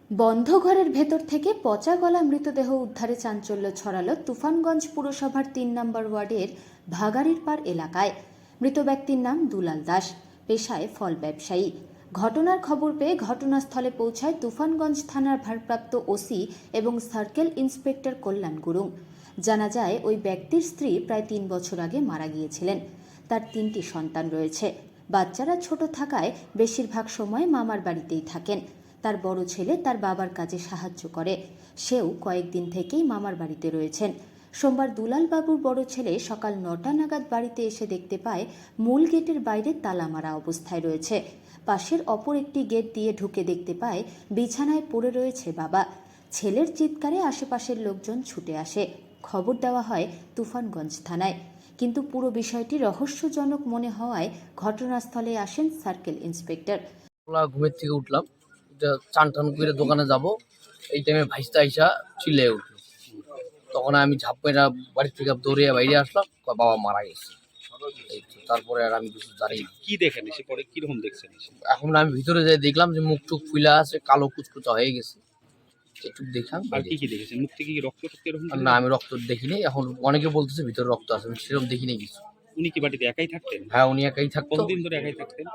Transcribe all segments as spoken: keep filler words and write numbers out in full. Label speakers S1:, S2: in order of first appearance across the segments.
S1: বন্ধ ঘরের ভেতর থেকে পচা গলা মৃতদেহ উদ্ধারে চাঞ্চল্য ছড়ালো তুফানগঞ্জ পুরসভার তিন নম্বর ওয়ার্ডের ভাগাড়ির পাড় এলাকায়। মৃত ব্যক্তির নাম দুলাল দাস, পেশায় ফল ব্যবসায়ী। ঘটনার খবর পেয়ে ঘটনাস্থলে পৌঁছায় তুফানগঞ্জ থানার ভারপ্রাপ্ত ওসি এবং সার্কেল ইন্সপেক্টর কল্যাণ গুরুং। জানা যায়, ওই ব্যক্তির স্ত্রী প্রায় তিন বছর আগে মারা গিয়েছিলেন। তার তিনটি সন্তান রয়েছে। বাচ্চারা ছোট থাকায় বেশিরভাগ সময় মামার বাড়িতেই থাকেন। তার বড় ছেলে তার বাবার কাজে সাহায্য করে, সেও কয়েকদিন থেকেই মামার বাড়িতে রয়েছেন। সোমবার দুলাল বাবুর বড় ছেলে সকাল নটা নাগাদ বাড়িতে এসে দেখতে পায় মূল গেটের বাইরে তালা মারা অবস্থায় রয়েছে। পাশের অপর একটি গেট দিয়ে ঢুকে দেখতে পায় বিছানায় পড়ে রয়েছে বাবা। ছেলের চিৎকারে আশেপাশের লোকজন ছুটে আসে। খবর দেওয়া হয় তুফানগঞ্জ থানায়, কিন্তু পুরো বিষয়টি রহস্যজনক মনে হওয়ায় ঘটনাস্থলে আসেন সার্কেল ইন্সপেক্টর।
S2: ঘুমের থেকে উঠলাম, চান টান করে দোকানে যাব, এই টাইমে ভাইস্তা আইসা চিল্লে উঠলো। তখন আমি ঝাপ মেরা বাড়ির থেকে দৌড়িয়ে বাইরে আসলাম, বাবা মারা গেছে। তারপরে আর আমি কিছু জানি
S3: কি দেখেন, এসে পরে কিরকম দেখছেন?
S2: এখন আমি ভিতরে যাই দেখলাম যে মুখ টুক ফুলা আছে, কালো কুচকুচা হয়ে গেছে। একটু দেখলাম।
S3: আর কি কি দেখেছেন? মুখ থেকে কি রক্ত টক্ত এরকম?
S2: না, আমি রক্ত দেখিনি। এখন অনেকে বলতেছে ভিতরে রক্ত আছে, আমি সেরকম দেখিনি কিছু।
S3: উনি কি বাড়িতে একাই থাকতেন?
S2: হ্যাঁ, উনি একাই থাকতো।
S3: কতদিন ধরে একাই থাকতেন?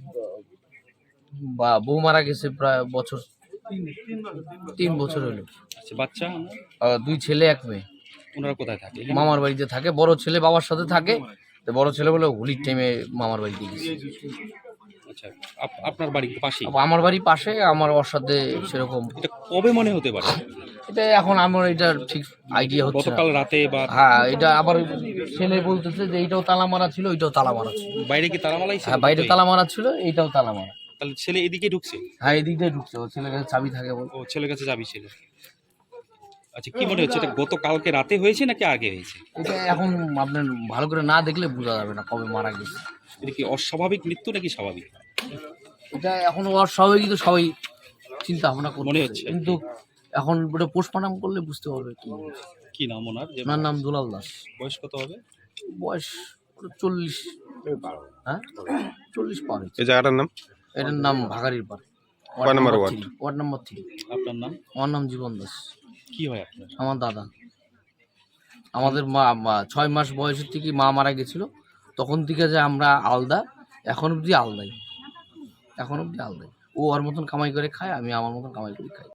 S2: বা বউ মারা গেছে প্রায় বছর তিন বছর হলো।
S3: আচ্ছা, বাচ্চা?
S2: আহ, দুই ছেলে এক মেয়ে।
S3: ওনারা কোথায় থাকে?
S2: মামার বাড়িতে থাকে। বড় ছেলে বাবার সাথে থাকে, তো বড় ছেলে বলে হোলির টাইমে মামার বাড়িতে গেছে।
S3: আচ্ছা, আপ- আপনার বাড়ির পাশেই?
S2: আমার বাড়ি পাশে, আমার ওর সাথে সেরকম।
S3: এটা কবে মনে হতে পারে?
S2: এটা এখন আমার এটা ঠিক আইডিয়া হচ্ছে না।
S3: গতকাল রাতে বা?
S2: হ্যাঁ, এটা আবার ছেলে বলতেছে যে এইটাও তালা মারা ছিল, ওইটাও তালা মারা ছিল।
S3: বাইরে কি তালা মালাই?
S2: হ্যাঁ, বাইরে তালা মারা ছিল, এইটাও তালা মারা।
S3: তাহলে ছেলে এদিকে ঢুকছে?
S2: হ্যাঁ, এদিক দিয়ে ঢুকছে। ওর ছেলের কাছে চাবি থাকে বল।
S3: ও, ছেলের কাছে যাবি ছিল। আচ্ছা, কি মনে হচ্ছে, এটা গতকালকে রাতে হয়েছে নাকি আগে হয়েছে?
S2: এটা এখন আপনার ভালো করে না দেখলে বোঝা যাবে না কবে মারা গেছে।
S3: এটা কি অস্বাভাবিক মৃত্যু নাকি স্বাভাবিক?
S2: এটা এখন ওর সবাই কিন্তু সবাই চিন্তা ভাবনা
S3: মনে
S2: মনে
S3: হচ্ছে।
S2: হচ্ছে, কিন্তু এখন ওটা পোস্টমর্টম করলে বুঝতে পারবে কি।
S3: কি নাম ওনার? যে
S2: ওনার নাম দুলাল দাস।
S3: বয়স কত হবে?
S2: বয়স চল্লিশ। হ্যাঁ, চল্লিশ পার হয়েছে।
S4: এই জায়গাটার নাম?
S2: এটার নাম ভাগাড়ির পাড়,
S4: কয় নম্বর ওয়ার্ড?
S2: Ward number three.
S3: আপনার নাম?
S2: আমার নাম জীবন দাস।
S3: কি হয় আপনার?
S2: আমার দাদা। আমাদের মা মা- ছয় মাস বয়সের থেকে মা মারা গেছিল, তখন থেকে যে আমরা আলাদা, এখন অব্দি আলাদাই, এখন অব্দি আলাদাই। ও ওর মতন কামাই করে খায়, আমি আমার মতন কামাই করে খাই।